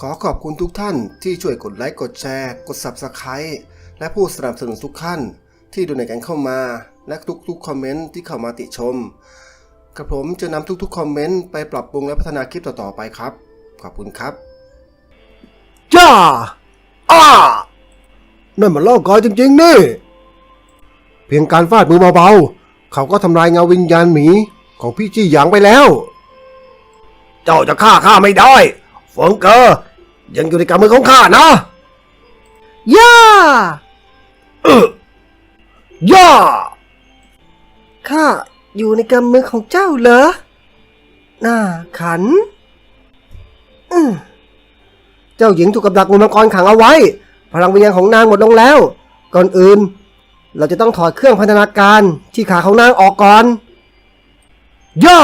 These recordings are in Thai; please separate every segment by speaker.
Speaker 1: ขอขอบคุณทุกท่านที่ช่วยกดไลค์กดแชร์กด Subscribe และผู้สนับสนุนทุกท่านที่ดูในกันเข้ามาและทุกคอมเมนต์ที่เข้ามาติชมกระผมจะนำทุกคอมเมนต์ไปปรับปรุงและพัฒนาคลิปต่อๆไปครับขอบคุณครับ
Speaker 2: จ้านั่นมันล่อกอยจริงๆนี่เพียงการฟาดมือเบาๆเขาก็ทำลายเงาวิญญาณหมีของพี่จี้หยางไปแล้วเจ้าจะฆ่าข้าไม่ได้เฟิงเกอร์ยังอยู่ในกำมือของข้านะย่าย่าข้าอยู่ในกำมือของเจ้าเหรอน่าขันเจ้าหญิงถูกกับดักงูมังกรขังเอาไว้พลังวิญญาณของนางหมดลงแล้วก่อนอื่นเราจะต้องถอดเครื่องพันธนาการที่ขาของนางออกก่อนย่า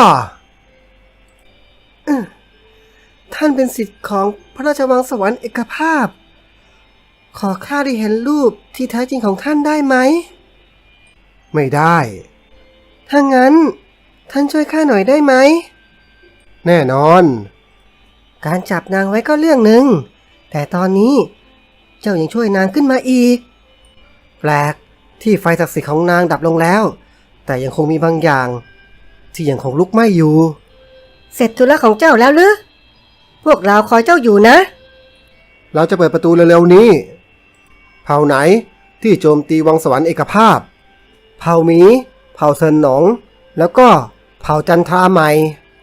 Speaker 2: ท่านเป็นศิษย์ของพระราชวังสวรรค์เอกภาพขอข้าได้เห็นรูปที่แท้จริงของท่านได้ไหมไม่ได้ถ้างั้นท่านช่วยข้าหน่อยได้ไหมแน่นอนการจับนางไว้ก็เรื่องหนึ่งแต่ตอนนี้เจ้ายังช่วยนางขึ้นมาอีกแปลกที่ไฟศักดิ์สิทธิ์ของนางดับลงแล้วแต่ยังคงมีบางอย่างที่ยังคงลุกไหม้อยู่เสร็จธุระของเจ้าแล้วหรือพวกเราคอยเจ้าอยู่นะเราจะเปิดประตูเร็วๆนี้เผ่าไหนที่โจมตีวังสวรรค์เอกภาพเผ่าหมีเผ่าเซินหนงแล้วก็เผ่าจันทราใหม่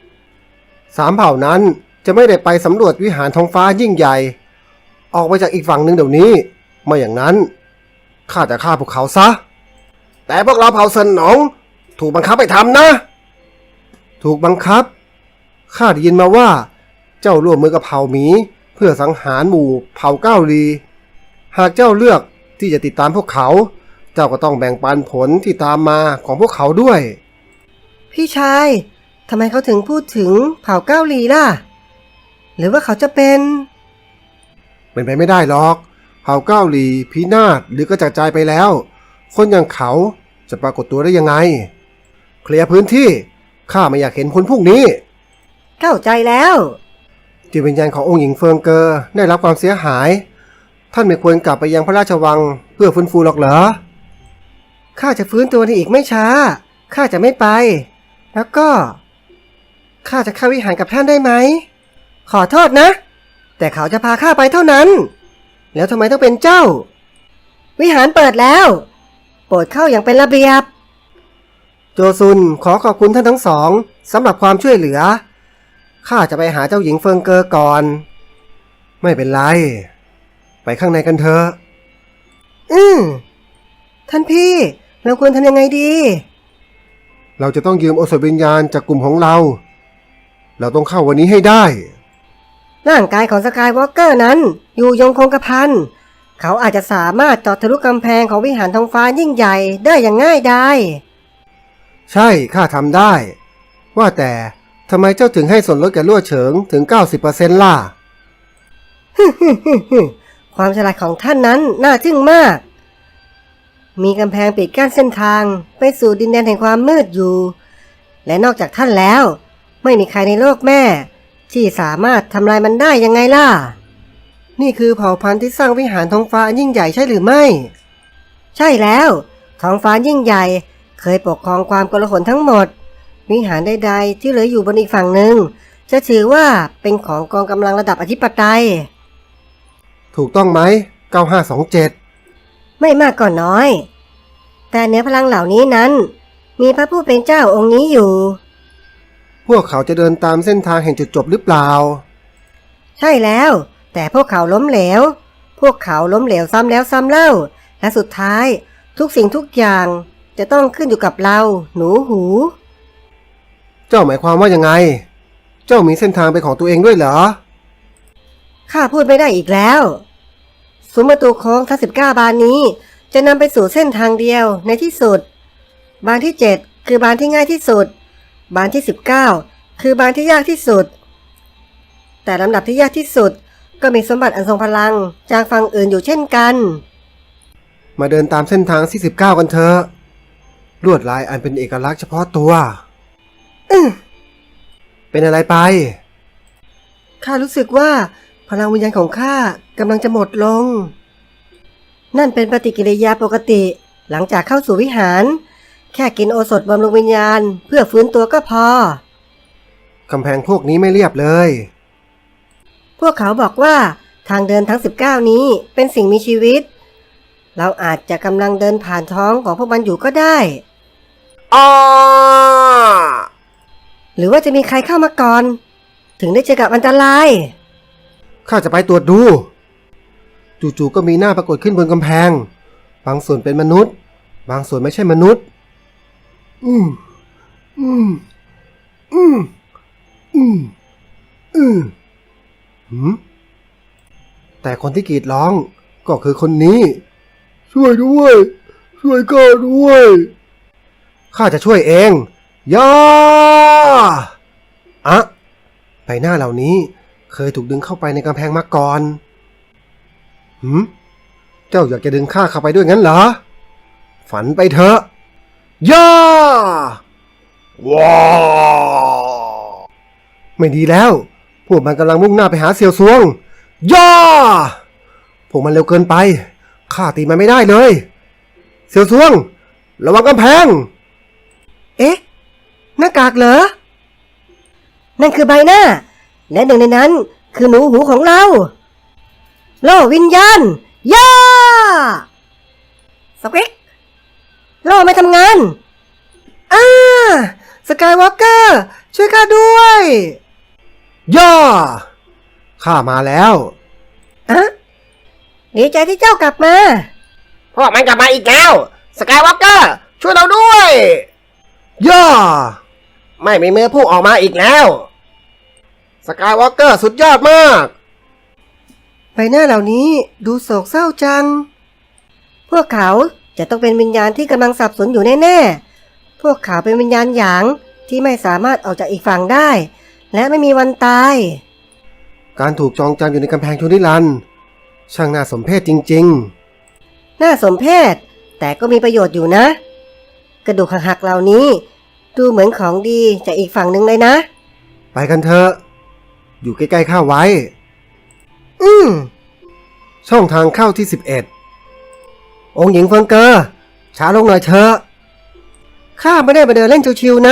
Speaker 2: 3 เผ่านั้นจะไม่ได้ไปสำรวจวิหารท้องฟ้ายิ่งใหญ่ออกไปจากอีกฝั่งหนึ่งเดี๋ยวนี้ไม่อย่างนั้นข้าจะฆ่าพวกเขาซะแต่พวกเราเผ่าเซินหนงถูกบังคับให้ทำนะถูกบังคับข้าได้ยินมาว่าเจ้าร่วมมือกับเผ่าหมีเพื่อสังหารหมู่เผ่าเก้าลีหากเจ้าเลือกที่จะติดตามพวกเขาเจ้าก็ต้องแบ่งปันผลที่ตามมาของพวกเขาด้วยพี่ชายทำไมเขาถึงพูดถึงเผ่าเก้าลีล่ะหรือว่าเขาจะเป็นไปไม่ได้หรอกเผ่าเก้าลีพินาศหรือกระจัดกระจายไปแล้วคนอย่างเขาจะปรากฏตัวได้ยังไงเคลียร์พื้นที่ข้าไม่อยากเห็นคนพวกนี้เข้าใจแล้วจิตวิญญาณขององค์หญิงเฟิงเกอร์ได้รับความเสียหายท่านไม่ควรกลับไปยังพระราชวังเพื่อฟื้นฟูหรอกเหรอข้าจะฟื้นตัวในอีกไม่ช้าข้าจะไม่ไปแล้วก็ข้าจะเข้าวิหารกับท่านได้ไหมขอโทษนะแต่เขาจะพาข้าไปเท่านั้นแล้วทำไมต้องเป็นเจ้าวิหารเปิดแล้วโปรดเข้าอย่างเป็นระเบียบโจซุนขอขอบคุณท่านทั้งสองสำหรับความช่วยเหลือข้าจะไปหาเจ้าหญิงเฟิงเกอร์ก่อนไม่เป็นไรไปข้างในกันเถอะท่านพี่เราควรทำยังไงดีเราจะต้องยืมโอสถวิญญาณจากกลุ่มของเราต้องเข้าวันนี้ให้ได้ร่างกายของสกายวอล์กเกอร์นั้นอยู่ยงคงกระพันเขาอาจจะสามารถเจาะทะลุกำแพงของวิหารท้องฟ้ายิ่งใหญ่ได้อย่างง่ายดายใช่ข้าทำได้ว่าแต่ทำไมเจ้าถึงให้ส่วนลดแก่ลั่วเฉิงถึง 90% ล่ะ ความฉลาดของท่านนั้นน่าทึ่งมากมีกำแพงปิดกั้นเส้นทางไปสู่ดินแดนแห่งความมืดอยู่และนอกจากท่านแล้วไม่มีใครในโลกแม่ที่สามารถทำลายมันได้ยังไงล่ะนี่คือเผ่าพันธุ์ที่สร้างวิหารท้องฟ้ายิ่งใหญ่ใช่หรือไม่ใช่แล้วท้องฟ้ายิ่งใหญ่เคยปกครองความโกลาหลทั้งหมดวิหารใดๆที่เหลืออยู่บนอีกฝั่งหนึ่งจะถือว่าเป็นของกองกำลังระดับอธิปไตยถูกต้องไหม9527ไม่มากก็น้อยแต่เหนือพลังเหล่านี้นั้นมีพระผู้เป็นเจ้าองค์นี้อยู่พวกเขาจะเดินตามเส้นทางแห่งจุดจบหรือเปล่าใช่แล้วแต่พวกเขาล้มเหลวซ้ำแล้วซ้ำเล่าและสุดท้ายทุกสิ่งทุกอย่างจะต้องขึ้นอยู่กับเราหนูหูเจ้าหมายความว่ายังไงเจ้ามีเส้นทางเป็นของตัวเองด้วยเหรอข้าพูดไม่ได้อีกแล้วซุ้มประตูโค้งทั้ง19 บานนี้จะนำไปสู่เส้นทางเดียวในที่สุดบานที่7คือบานที่ง่ายที่สุดบานที่19คือบานที่ยากที่สุดแต่ลำดับที่ยากที่สุดก็มีสมบัติอันทรงพลังจากฝั่งอื่นอยู่เช่นกันมาเดินตามเส้นทางที่19กันเถอะลวดลายอันเป็นเอกลักษณ์เฉพาะตัวเป็นอะไรไปข้ารู้สึกว่าพลังวิญญาณของข้ากำลังจะหมดลง นั่นเป็นปฏิกิริยาปกติหลังจากเข้าสู่วิหาร แค่กินโอสถบำรุงวิญญาณเพื่อฟื้นตัวก็พอ
Speaker 1: กำแพงพวกนี้ไม่เรียบเลย
Speaker 2: พวกเขาบอกว่าทางเดินทั้ง19นี้เป็นสิ่งมีชีวิต เราอาจจะกำลังเดินผ่านท้องของพวกมันอยู่ก็ได้
Speaker 1: อ้า
Speaker 2: หรือว่าจะมีใครเข้ามาก่อน ถึงได้เจอกับอันตราย
Speaker 1: ข้าจะไปตรวจดู จู่ๆก็มีหน้าปรากฏขึ้นบนกำแพง บางส่วนเป็นมนุษย์ บางส่วนไม่ใช่มนุษย์ อืมอืมอืมอืมอืมหืมแต่คนที่กรีดร้องก็คือคนนี้ ช่วยด้วย ช่วยข้าด้วย ข้าจะช่วยเองย่าอะใบหน้าเหล่านี้เคยถูกดึงเข้าไปในกำแพงมาก่อนหืมเจ้าอยากจะดึงข้าเข้าไปด้วยงั้นเหรอ ฝันไปเถอะย่าว้าไม่ดีแล้ว พวกมันกำลังมุ่งหน้าไปหาเสี่ยวซวงย่าพวกมันเร็วเกินไป ข้าตีมันไม่ได้เลย เสี่ยวซวง ระวังกำแพง
Speaker 2: เอ๊ะ หน้ากากเหรอ นั่นคือใบหน้า และหนึ่งในนั้นคือหนูหูของเรา โล่วิญญาณ ย่าสควิกโล่ไม่ทำงานสกายวอล์กเกอร์ช่วยข้าด้วย
Speaker 1: ย่าข้ามาแล้ว
Speaker 2: ดีใจที่เจ้ากลับมา
Speaker 3: พวกมันกลับมาอีกแล้วสกายวอล์กเกอร์ช่วยเราด้วย
Speaker 1: ย่า
Speaker 3: ไม่มีมือผู้ออกมาอีกแล้วสกายวอล์กเกอร์สุดยอดมาก
Speaker 2: ใบหน้าเหล่านี้ดูโศกเศร้าจัง พวกเขาจะต้องเป็นวิญญาณที่กำลังสับสนอยู่แน่ๆ พวกเขาเป็นวิญญาณหยางที่ไม่สามารถออกจากอีกฝั่งได้ และไม่มีวันตาย
Speaker 1: การถูกจองจำอยู่ในกำแพงชนิรันดร์ช่างน่าสมเพชจริง
Speaker 2: น่าสมเพชแต่ก็มีประโยชน์อยู่นะ กระดูกหักๆเหล่านี้ ดูเหมือนของดีจากอีกฝั่งหนึ่งเลยนะ
Speaker 1: ๆ ไปกันเถอะ อยู่ใกล้ๆข้าไว้ ช่องทางเข้าที่ 11 องค์หญิงเฟิงเกอร์ช้าลงหน่อยเถอะ
Speaker 2: ข้าไม่ได้มาเดินเล่นชิวๆนะ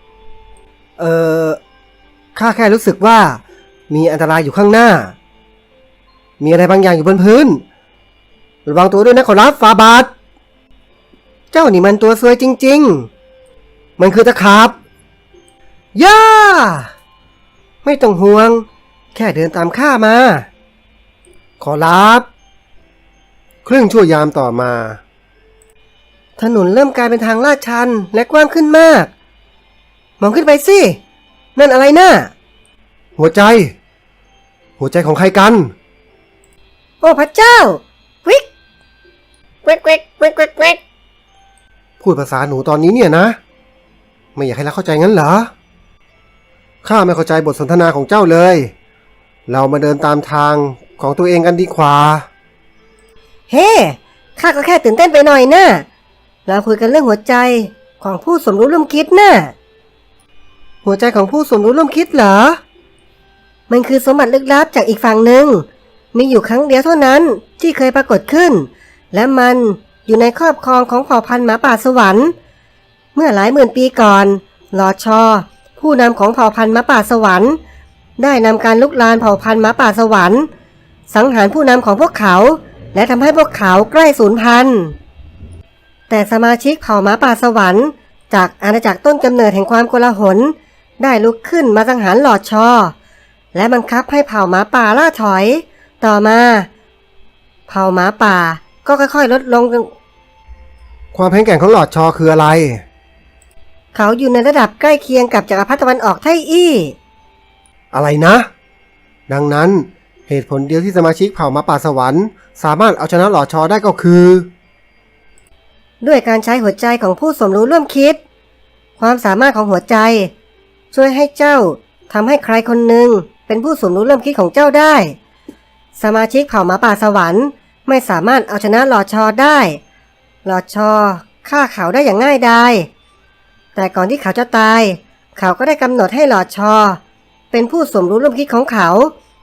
Speaker 1: ข้าแค่รู้สึกว่ามีอันตรายอยู่ข้างหน้า มีอะไรบางอย่างอยู่บนพื้น ระวังตัวด้วยนะขอรับฟาบาท
Speaker 2: เจ้านี่มันตัวซวยจริง
Speaker 1: มันคือตะขาบ
Speaker 2: ๆ ย่า ไม่ต้องห่วง แค่เดินตามข้ามา
Speaker 1: ขอรับครึ่งชั่วยามต่อมา
Speaker 2: ถนนเริ่มกลายเป็นทางลาดชันและกว้างขึ้นมาก มองขึ้นไปสิ นั่นอะไรน่ะ
Speaker 1: หัวใจ หัวใจของใครกัน
Speaker 2: โอ้พระเจ้า วิก
Speaker 3: เควกเควกเควกเควกเควก
Speaker 1: พูดภาษาหนูตอนนี้เนี่ยนะ ไม่อยากให้เราเข้าใจงั้นเหรอ ข้าไม่เข้าใจบทสนทนาของเจ้าเลย เรามาเดินตามทางของตัวเองกันดีกว่า
Speaker 2: เฮ้ ข้าก็แค่ตื่นเต้นไปหน่อยนะเราคุยกันเรื่องหัวใจของผู้สมรู้ร่วมคิดนะหัวใจของผู้สมรู้ร่วมคิดเหรอ มันคือสมบัติลึกลับจากอีกฝั่งหนึ่ง มีอยู่ครั้งเดียวเท่านั้นที่เคยปรากฏขึ้น และมันอยู่ในครอบครองของเผ่าพันธุ์หมาป่าสวรรค์ เมื่อหลายหมื่นปีก่อนลอชอผู้นำของเผ่าพันธุ์หมาป่าสวรรค์ได้นำการลุกลานเผ่าพันธุ์หมาป่าสวรรค์สังหารผู้นำของพวกเขาและทำให้พวกเขาใกล้สูญพันธุ์แต่สมาชิกเผ่าหมาป่าสวรรค์จากอาณาจักรต้นกำเนิดแห่งความโกลาหลได้ลุกขึ้นมาสังหารหลอดชอและบังคับให้เผ่าหมาป่าล่าถอยต่อมาเผ่าหมาป่าก็ค่อยๆลดลง
Speaker 1: ความแข็งแกร่งของหลอดชอคืออะไร
Speaker 2: เขาอยู่ในระดับใกล้เคียงกับจักรพรรดิตะวันออกไทอี้
Speaker 1: อะไรนะ ดังนั้นเหตุผลเดียวที่สมาชิกเผ่าหมาป่าสวรรค์สามารถเอาชนะหลอดชอได้ก็คือ
Speaker 2: ด้วยการใช้หัวใจของผู้สมรู้ร่วมคิด ความสามารถของหัวใจ ช่วยให้เจ้าทำให้ใครคนหนึ่งเป็นผู้สมรู้ร่วมคิดของเจ้าได้ สมาชิกเผ่าหมาป่าสวรรค์ไม่สามารถเอาชนะหลอดชอได้หลอดชอฆ่าเขาได้อย่างง่ายดายแต่ก่อนที่เขาจะตายเขาก็ได้กำหนดให้หลอดชอเป็นผู้สมรู้ร่วมคิดของเขา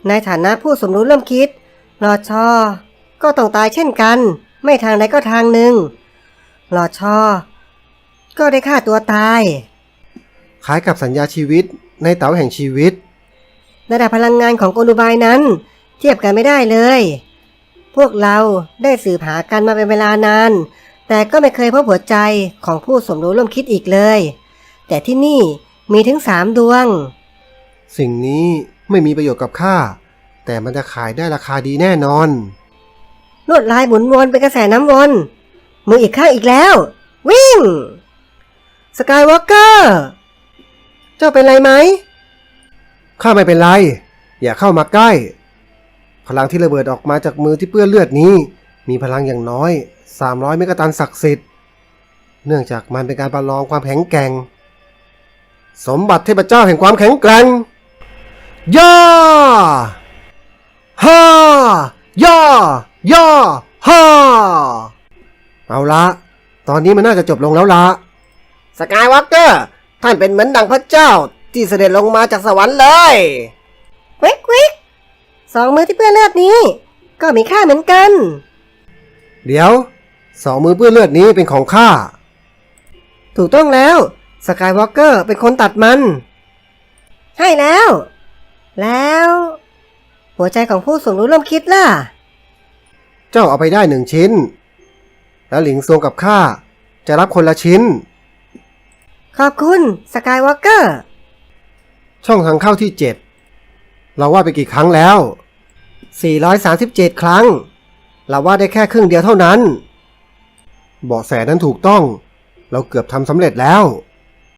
Speaker 2: ในฐานะผู้สมรู้ร่วมคิดลอชอก็ต้องตายเช่นกัน ไม่ทางใดก็ทางหนึ่งลอชอก็ได้ฆ่าตัวตาย
Speaker 1: คล้ายกับสัญญาชีวิตในเต๋าแห่งชีวิต
Speaker 2: ระดับพลังงานของกลอุบายนั้นเทียบกันไม่ได้เลย พวกเราได้สืบหากันมาเป็นเวลานาน แต่ก็ไม่เคยพบหัวใจของผู้สมรู้ร่วมคิดอีกเลย แต่ที่นี่มีถึง3 ดวง
Speaker 1: สิ่งนี้ไม่มีประโยชน์กับข้าแต่มันจะขายได้ราคาดีแน่นอน
Speaker 2: ลวดลายหมุนวนเป็นกระแสน้ำวนมืออีกข้างอีกแล้ว วิ่งสกายวอล์กเกอร์เจ้าเป็นไรไหม
Speaker 1: ข้าไม่เป็นไร อย่าเข้ามาใกล้ พลังที่ระเบิดออกมาจากมือที่เปื้อนเลือดนี้ มีพลังอย่างน้อย300 เมกะตันศักดิ์สิทธิ์ เนื่องจากมันเป็นการประลองความแข็งแกร่ง สมบัติเทพเจ้าแห่งความแข็งแกร่ง ย่า ฮ่า ย่า ย่า ฮ่า เอาละ ตอนนี้มันน่าจะจบลงแล้วละ
Speaker 3: สกายวอล์กเกอร์ท่านเป็นเหมือนดังพระเจ้าที่เสด็จลงมาจากสวรรค์เลย
Speaker 2: วิกวิก2 มือที่เปื้อนเลือดนี้ ก็มีค่าเหมือนกัน
Speaker 1: เดี๋ยว2 มือเปื้อนเลือดนี้เป็นของข้า
Speaker 2: ถูกต้องแล้วสกายวอล์กเกอร์เป็นคนตัดมัน ใช่แล้ว แล้ว หัวใจของผู้สมรู้ร่วมคิดล่ะ
Speaker 1: เจ้าเอาไปได้1 ชิ้น แล้วหลิงซวงกับข้าจะรับคนละชิ้น
Speaker 2: ขอบคุณสกายวอล์กเกอร์
Speaker 1: ช่องทางเข้าที่ 7 เราว่าไปกี่ครั้งแล้ว
Speaker 2: 437 ครั้ง
Speaker 1: เราว่าได้แค่ครึ่งเดียวเท่านั้น เบาะแสนั้นถูกต้อง เราเกือบทำสำเร็จแล้ว